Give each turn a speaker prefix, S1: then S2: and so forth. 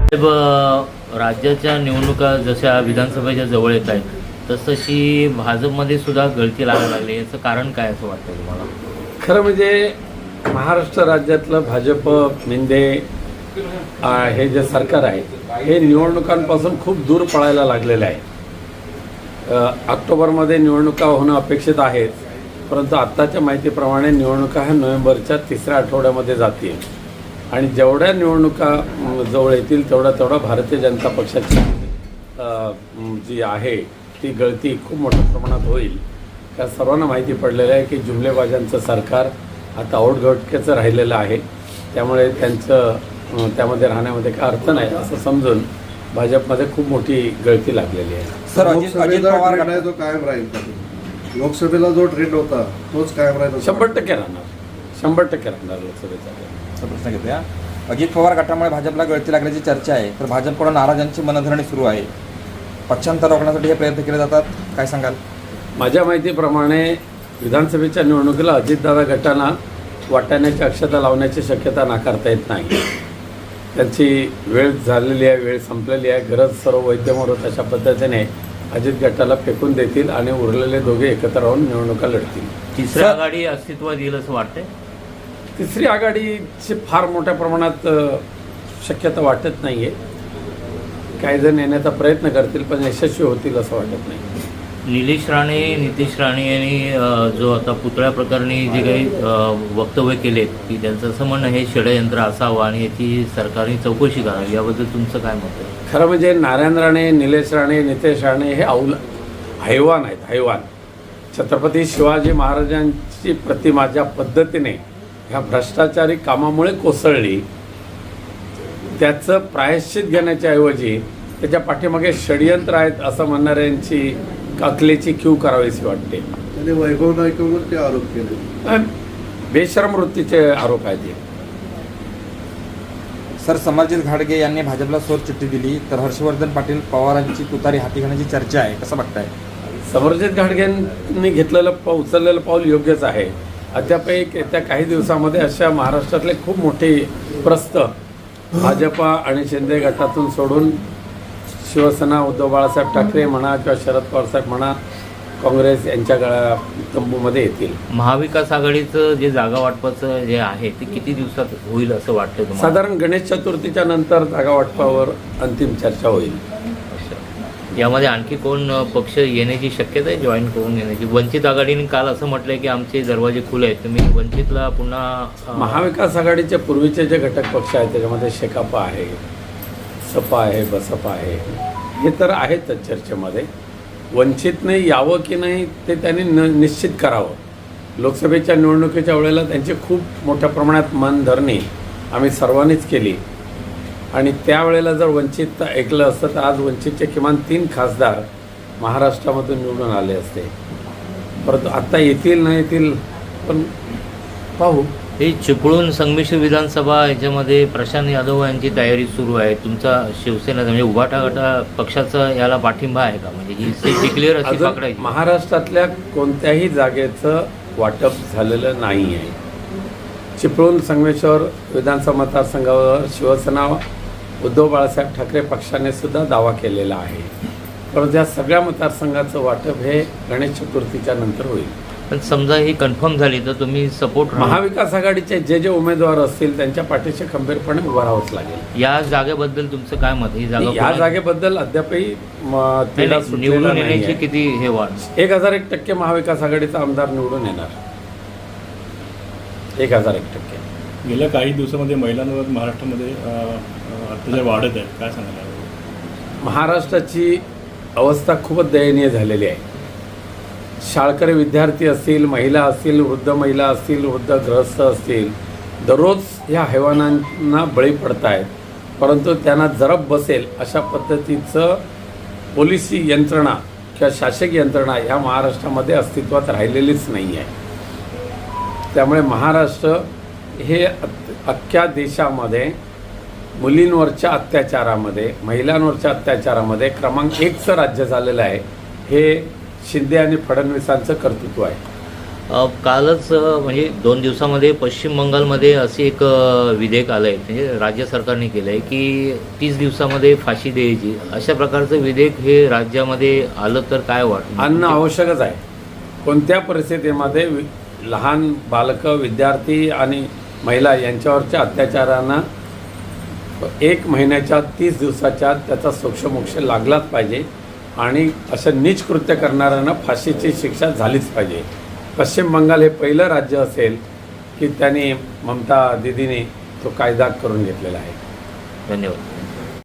S1: राज्याच्या निवडणुका जशा विधानसभेच्या जवळ येत आहेत तशी भाजपमध्ये सुद्धा गळती लागायला लागली, याचं कारण काय असं वाटतं तुम्हाला?
S2: खरं म्हणजे महाराष्ट्र राज्यातलं भाजप मिंदे हे जे सरकार आहे हे निवडणुकांपासून खूप दूर पळायला लागलेलं आहे. ऑक्टोबरमध्ये निवडणुका होणं अपेक्षित आहेत, परंतु आत्ताच्या माहितीप्रमाणे निवडणुका ह्या नोव्हेंबरच्या तिसऱ्या आठवड्यामध्ये जातील आणि जेवढ्या निवडणुका जवळ येतील तेवढा भारतीय जनता पक्षाची जी आहे ती गळती खूप मोठ्या प्रमाणात होईल. त्या सर्वांना माहिती पडलेलं आहे की जुमलेबाजांचं सरकार आता औटघटकेचं राहिलेलं आहे, त्यामुळे त्यांचं त्यामध्ये राहण्यामध्ये काय अर्थ नाही असं समजून भाजपमध्ये खूप मोठी गळती लागलेली आहे.
S3: सर, अजित पवार गट जो कायम राहील, लोकसभेला जो ट्रेंड होता तोच कायम राहील?
S2: 100% राहणार, 100% राहणार लोकसभेचा.
S3: प्रश्न घेतोया. अजित पवार गटामुळे भाजपला गळती लागल्याची चर्चा आहे, तर भाजपकडून नाराजांची मनधरणी सुरू आहे. पक्षांतर रोखण्यासाठी हे प्रयत्न केले जातात, काय सांगाल?
S2: माझ्या माहितीप्रमाणे विधानसभेच्या निवडणुकीला अजितदादा गटांना वाटाण्याची अक्षता लावण्याची शक्यता नाकारता येत नाही. त्यांची वेळ झालेली आहे, वेळ संपलेली आहे. गरज सर्व वैद्यमोरत अशा पद्धतीने अजित गटाला फेकून देतील आणि उरलेले दोघे एकत्र राहून निवडणुका लढतील.
S1: तिसरी आघाडी अस्तित्वात येईल असं वाटतंय?
S2: तिसरी आघाडीची फार मोठ्या प्रमाणात शक्यता वाटत नाही आहे. काही जण येण्याचा प्रयत्न करतील पण यशस्वी होतील असं वाटत नाही.
S1: निलेश राणे, नितेश राणे यांनी जो आता पुतळ्या प्रकरणी जे काही वक्तव्य केलेत की त्यांचं असं म्हणणं हे षडयंत्र असावं आणि याची सरकारने चौकशी करावी, याबद्दल तुमचं काय मत आहे?
S2: खरं म्हणजे नारायण राणे, निलेश राणे, नितेश राणे हे हैवान आहेत, हैवान. छत्रपती शिवाजी महाराजांची प्रतिमा ज्या पद्धतीने ह्या भ्रष्टाचारी कामामुळे कोसळली, त्याचं प्रायश्चित घेण्याच्या ऐवजी त्याच्या पाठीमागे षडयंत्र आहेत असं म्हणणाऱ्यांची अकलेची कीव करावीशी वाटते.
S3: त्याने वैभव नाईकवर ते आरोप केले,
S2: बेशरम वृत्तीचे आरोप आहेत.
S3: सर, समरजित घाडगे यांनी भाजपला सोर चिठ्ठी दिली, तर हर्षवर्धन पाटील पवारांची तुतारी हाती घेण्याची चर्चा आहे, कसं बघताय?
S2: समरजित घाडगेंनी उचललेलं पाऊल योग्यच आहे. अद्याप येत्या काही दिवसामध्ये अशा महाराष्ट्रातले खूप मोठे प्रस्थ भाजपा आणि शिंदे गटातून सोडून शिवसेना, उद्धव बाळासाहेब ठाकरे म्हणा किंवा शरद पवारसाहेब म्हणा, काँग्रेस यांच्या तंबूमध्ये येतील.
S1: महाविकास आघाडीचं जे जागा वाटपाचं जे आहे ते किती दिवसात होईल असं वाटतं तुम्हाला?
S2: साधारण गणेश चतुर्थीच्या नंतर जागा वाटपावर अंतिम चर्चा होईल.
S1: यामध्ये आणखी कोण पक्ष येण्याची शक्यता आहे, जॉईन करून येण्याची? वंचित आघाडीने काल असं म्हटलंय की आमचे दरवाजे खुले आहेत, तुम्ही वंचितला पुन्हा
S2: महाविकास आघाडीचे पूर्वीचे जे घटक पक्ष आहेत त्याच्यामध्ये शेकापा आहे, सपा आहे, बसपा आहे, हे तर आहेतच चर्चेमध्ये. वंचितने यावं की नाही ते त्यांनी निश्चित करावं. लोकसभेच्या निवडणुकीच्या वेळेला त्यांची खूप मोठ्या प्रमाणात मनधरणी आम्ही सर्वांनीच केली आणि त्यावेळेला जर वंचित ऐकलं असतं तर आज वंचितचे किमान 3 खासदार महाराष्ट्रामधून निवडून आले असते. परंतु आत्ता येतील नाही येतील पण पाहू.
S1: हे चिपळूण संमिश्र विधानसभा याच्यामध्ये प्रशांत यादव यांची तयारी सुरू आहे. तुमचा शिवसेना म्हणजे उभाटा गटा पक्षाचा याला पाठिंबा आहे का? म्हणजे ही सीट डिक्लेअर अशी पकडायची?
S2: महाराष्ट्रातल्या कोणत्याही जागेचं वाटप झालेलं नाही आहे. चिपळूण संगमेश्वर विधानसभा मतदारसंघावर शिवसेना, उद्धव बाळासाहेब ठाकरे पक्षाने सुद्धा दावा केलेला आहे. परंतु या सगळ्या मतदारसंघाचं वाटप हे गणेश चतुर्थीच्या नंतर होईल.
S1: पण समजा ही कन्फर्म झाली तर तुम्ही सपोर्ट
S2: महाविकास आघाडीचे जे उमेदवार असतील त्यांच्या पाठीशी खंबीरपणे उभं राहावंच लागेल.
S1: या जागेबद्दल तुमचं काय मत? ही जागा
S2: या जागेबद्दल अद्यापही
S1: निवडून येण्याची किती हे वाढ?
S2: 1001% महाविकास आघाडीचा आमदार निवडून येणार. 1001%.
S4: गेल्या काही दिवसामध्ये महिलांवर महाराष्ट्रामध्ये अत्याचार वाढत आहेत, काय सांगायला?
S2: महाराष्ट्राची अवस्था खूपच दयनीय झालेली आहे. शाळकरी विद्यार्थी असतील, महिला असतील, वृद्ध महिला असतील, वृद्ध गृहस्थ असतील, दररोज ह्या हैवानांना बळी पडत आहेत. परंतु त्यांना जरब बसेल अशा पद्धतीचं पोलिसी यंत्रणा किंवा शासकीय यंत्रणा ह्या महाराष्ट्रामध्ये अस्तित्वात राहिलेलीच नाही आहे. त्यामुळे महाराष्ट्र हे अख्ख्या देशामध्ये मुलींवरच्या अत्याचारामध्ये, महिलांवरच्या अत्याचारामध्ये क्रमांक 1चं राज्य झालेलं आहे. हे शिंदे आणि फडणवीसांचं कर्तृत्व आहे.
S1: कालच म्हणजे 2 दिवसामध्ये पश्चिम बंगालमध्ये असे एक विधेयक आलं आहे, म्हणजे राज्य सरकारने केलं आहे की 30 दिवसामध्ये फाशी द्यायची. अशा प्रकारचं विधेयक हे राज्यामध्ये आलं तर काय वाटतं?
S2: आणणं आवश्यकच आहे. कोणत्या परिस्थितीमध्ये लहान बालकं, विद्यार्थी आणि महिला यांच्यावरच्या अत्याचारांना 1 महिन्याच्या 30 दिवसाच्या त्याचा सोक्षमोक्ष लागलाच पाहिजे आणि असं नीच कृत्य करणाऱ्यांना फाशीची शिक्षा झालीच पाहिजे. पश्चिम बंगाल हे पहिलं राज्य असेल की त्यांनी ममता दिदीने तो कायदा करून घेतलेला आहे.
S1: धन्यवाद.